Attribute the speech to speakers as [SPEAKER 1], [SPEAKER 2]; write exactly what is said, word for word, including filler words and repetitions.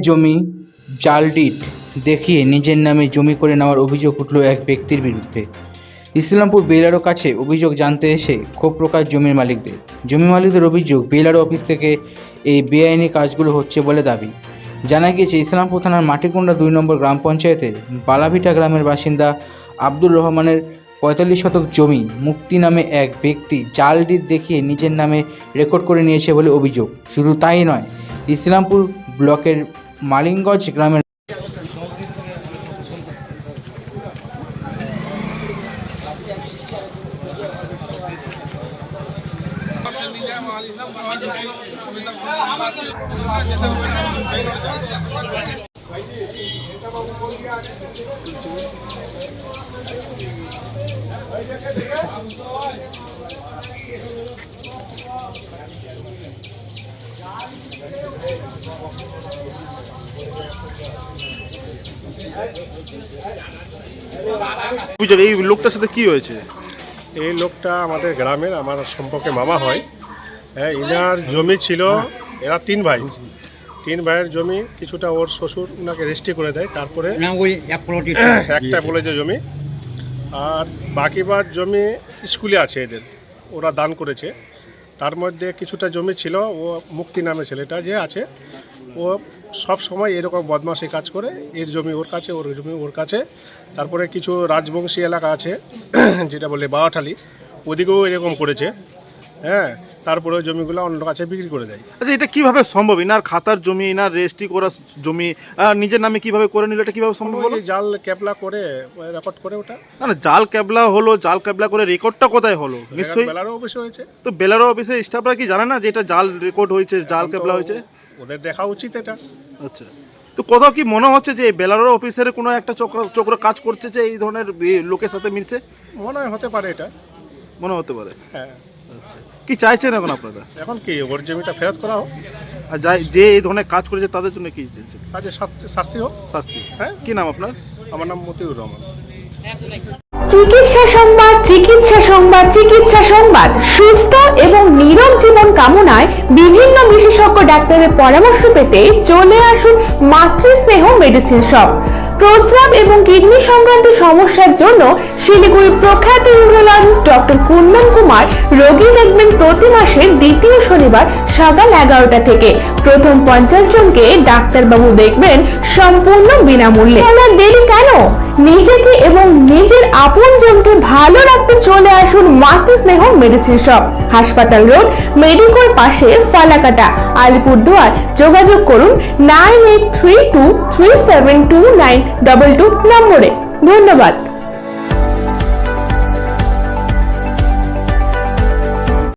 [SPEAKER 1] জমি জাল ডিড দেখিয়ে নিজের নামে জমি করে নেওয়ার অভিযোগ উঠল এক ব্যক্তির বিরুদ্ধে। ইসলামপুর বেলারো কাছে অভিযোগ জানতে এসে ক্ষোভ প্রকাশ জমির মালিকদের। জমি মালিকদের অভিযোগ, বেলারো অফিস থেকে এই বেআইনি কাজগুলো হচ্ছে বলে দাবি। জানা গিয়েছে, ইসলামপুর থানার মাটিকুন্ডা দুই নম্বর গ্রাম পঞ্চায়েতের বালাভিটা গ্রামের বাসিন্দা আব্দুর রহমানের পঁয়তাল্লিশ শতক জমি মুক্তি নামে এক ব্যক্তি জাল ডিড দেখিয়ে নিজের নামে রেকর্ড করে নিয়েছে বলে অভিযোগ। শুধু তাই নয়, ইসলামপুর ব্লকের মালিঙ্গঞ্জ গ্রামের
[SPEAKER 2] এই লোকটার সাথে কি হয়েছে?
[SPEAKER 3] এই লোকটা আমাদের গ্রামের, আমার সম্পর্কে মামা হয়। হ্যাঁ, ইনার জমি ছিল, এরা তিন ভাই, তিন ভাইয়ের জমি কিছুটা ওর শ্বশুর ওনাকে রেজিস্ট্রি করে দেয়, তারপরে একটা বলেছে জমি, আর বাকিবার জমি স্কুলে আছে এদের, ওরা দান করেছে। তার মধ্যে কিছুটা জমি ছিল, ও মুক্তি নামে ছেলেটা যে আছে, ও সব সময় এরকম বদমাশি কাজ করে, এর জমি ওর কাছে, ওর জমি ওর কাছে। তারপরে কিছু রাজবংশী এলাকা আছে যেটা বলে বাওয়াঠালি, ওদিকেও এরকম করেছে। হ্যাঁ, তারপরে ওই জমিগুলো অন্য কাছে বিক্রি করে দেয়।
[SPEAKER 2] আচ্ছা, এটা কিভাবে সম্ভব? ইনার খাতার জমি, ইনার রেজিস্ট্রি করা জমি নিজের নামে কিভাবে করে নিল? এটা কিভাবে সম্ভব হলো?
[SPEAKER 3] জাল ক্যাবলা করে রেকর্ড করে ওটা।
[SPEAKER 2] না না, জাল ক্যাবলা হলো, জাল ক্যাবলা করে রেকর্ডটা কোথায় হলো? নিশ্চয়ই
[SPEAKER 3] বেলারো অফিসে হয়েছে।
[SPEAKER 2] তো বেলারো অফিসে স্টাফরা কি জানে না যে এটা জাল রেকর্ড হয়েছে, জাল ক্যাবলা হয়েছে?
[SPEAKER 3] ওদের দেখা উচিত এটা।
[SPEAKER 2] আচ্ছা, তো কোথাও কি মনে হচ্ছে যে বেলারো অফিসের কোনো একটা চক্র চক্র কাজ করছে যে এই ধরনের লোকের সাথে মিলছে?
[SPEAKER 3] মনে হয় হতে পারে, এটা
[SPEAKER 2] মনে হতে পারে।
[SPEAKER 3] হ্যাঁ।
[SPEAKER 2] আচ্ছা, কি চাইছেন এখন আপনারা?
[SPEAKER 3] এখন কি ওর জমিটা ফেরত করা হোক,
[SPEAKER 2] আর যাই যে এই ধরনের কাজ করেছে তাদের জন্য কি চাইছেন?
[SPEAKER 3] কাজে শাস্তি হোক।
[SPEAKER 2] শাস্তি?
[SPEAKER 3] হ্যাঁ।
[SPEAKER 2] কি নাম আপনার?
[SPEAKER 3] আমার নাম মতিউর রহমান।
[SPEAKER 4] চিকিৎসা সংবাদ, চিকিৎসা সংবাদ, চিকিৎসা সংবাদ। সুস্থ এবং নীরব জীবন কামনায় বিভিন্ন বিশেষজ্ঞ ডাক্তারের পরামর্শ পেতে চলে আসুন মাতৃস্নেহ মেডিসিন শপ। প্রস্রাব এবং কিডনি সংক্রান্ত সমস্যার জন্য শিলিগুড়ির প্রখ্যাত ইউরোলজিস্ট ডক্টর কুন্দন কুমার রোগী দেখবেন প্রতি মাসের দ্বিতীয় শনিবার সকাল এগারোটা থেকে। প্রথম পঞ্চাশ জনকে ডাক্তারবাবু দেখবেন সম্পূর্ণ বিনামূল্যে। আপনার দেরি কেন? নিজেকে এবং নিজের আপনজনকে ভালো রাখতে চলে আসুন মাতৃস্নেহ মেডিসিন শপ, হাসপাতাল রোড, মেডিকোর পাশে, ফালাকাটা, আলিপুরদুয়ার। যোগাযোগ করুন nine eight three two three seven two nine two two নম্বরে। ধন্যবাদ।